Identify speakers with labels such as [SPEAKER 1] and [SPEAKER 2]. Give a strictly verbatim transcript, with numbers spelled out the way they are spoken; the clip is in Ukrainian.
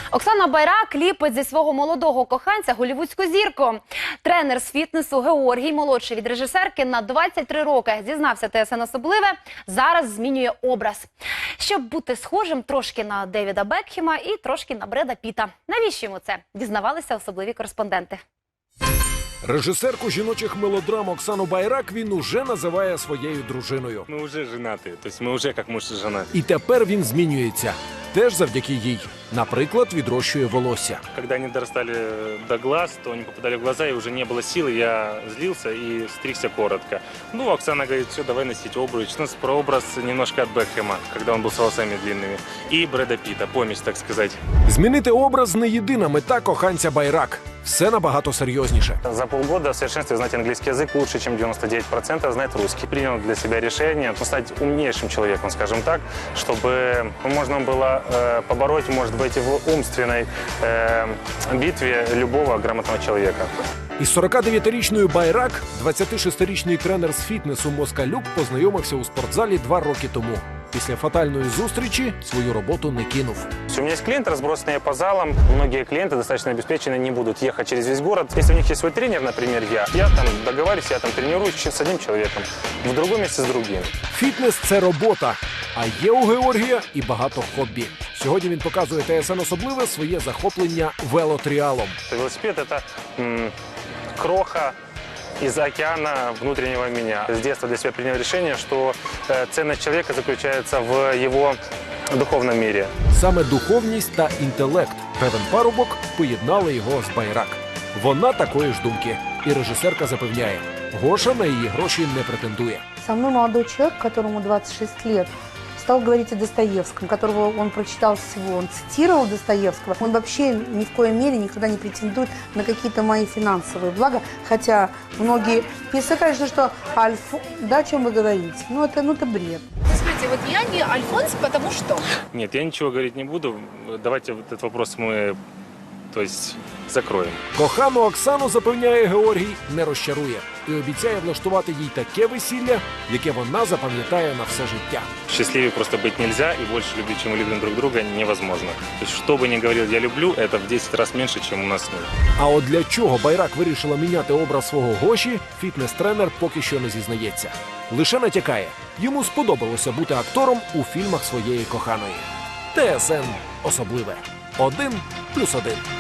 [SPEAKER 1] Оксана Байрак ліпить зі свого молодого коханця голлівудську зірку. Тренер з фітнесу Георгій, молодший від режисерки на двадцять три роки, зізнався ТСН особливе, зараз змінює образ. Щоб бути схожим трошки на Девіда Бекхема і трошки на Бреда Піта. Навіщо йому це? Дізнавалися особливі кореспонденти.
[SPEAKER 2] Режисерку жіночих мелодрам Оксану Байрак він уже називає своєю дружиною.
[SPEAKER 3] Ми вже женаті, тобто ми вже як муж і жена.
[SPEAKER 2] І тепер він змінюється. Теж завдяки їй. Наприклад, відрощує волосся.
[SPEAKER 3] Когда они дорастали до глаз, то они попадали в глаза, и уже не было силы, я злился и стригся коротко. Ну, Оксана говорит, все, давай носить обруч. У нас прообраз немножко от Бекхэма, когда он был с волосами длинными. И Брэда Питта, помесь, так сказать.
[SPEAKER 2] Змінити образ – не єдина мета коханця Байрак. Все набагато серйозніше.
[SPEAKER 3] За полгода в совершенстве знать английский язык лучше, чем девяносто девять процентов знать русский. Принял для себя решение ну, стать умнейшим человеком, скажем так, чтобы можно было э, побороть, может быть, в умственной э, битве любого грамотного человека.
[SPEAKER 2] Із сорокадев'ятирічною Байрак двадцятишестирічний тренер з фітнесу Москалюк познайомився у спортзалі два роки тому. Після фатальної зустрічі свою роботу не кинув.
[SPEAKER 3] У меня есть клиенты, разбросанные по залам. Многие клиенты достаточно обеспеченные, не будут ехать через весь город. Если у них есть свой тренер, например, я, я там договариваюсь, я там тренируюсь с одним человеком, в другом месте с другим.
[SPEAKER 2] Фітнес – це робота, а є у Георгія і багато хобі. Сьогодні він показує ТСН особливе своє захоплення велотріалом.
[SPEAKER 3] Велосипед – это м, кроха из океана внутреннего меня. С детства для себя принял решение, что э, ценность человека заключается в его духовном мире.
[SPEAKER 2] Саме духовність та інтелект, певен парубок, поєднали його з Байрак. Вона такої ж думки. І режисерка запевняє, Гоша на її гроші не претендує.
[SPEAKER 4] Со мной молодой человек, которому двадцать шесть лет, стал говорить о Достоевском, которого он прочитал всего. Он цитировал Достоевского. Он вообще ни в коей мере никогда не претендует на какие-то мои финансовые блага. Хотя многие писали, конечно, что Альф... Да, о чем вы говорите? Ну, это, ну, это бред.
[SPEAKER 5] Скажите, вот я не Альфонс, потому что?
[SPEAKER 3] Нет, я ничего говорить не буду. Давайте вот этот вопрос мы, то есть, закроем.
[SPEAKER 2] Кохану Оксану, запевняє Георгій, не розчарує. І обіцяє влаштувати їй таке весілля, яке вона запам'ятає на все життя.
[SPEAKER 3] Счастливее просто быть нельзя, и больше любить, чем мы любим друг друга, невозможно. То есть, что бы ни говорил «я люблю», это в десять раз меньше, чем у нас с ним.
[SPEAKER 2] А от для чого Байрак вирішила міняти образ свого Гоші, фітнес-тренер поки що не зізнається. Лише натякає, йому сподобалося бути актором у фільмах своєї коханої. ТСН особливе. Один плюс один.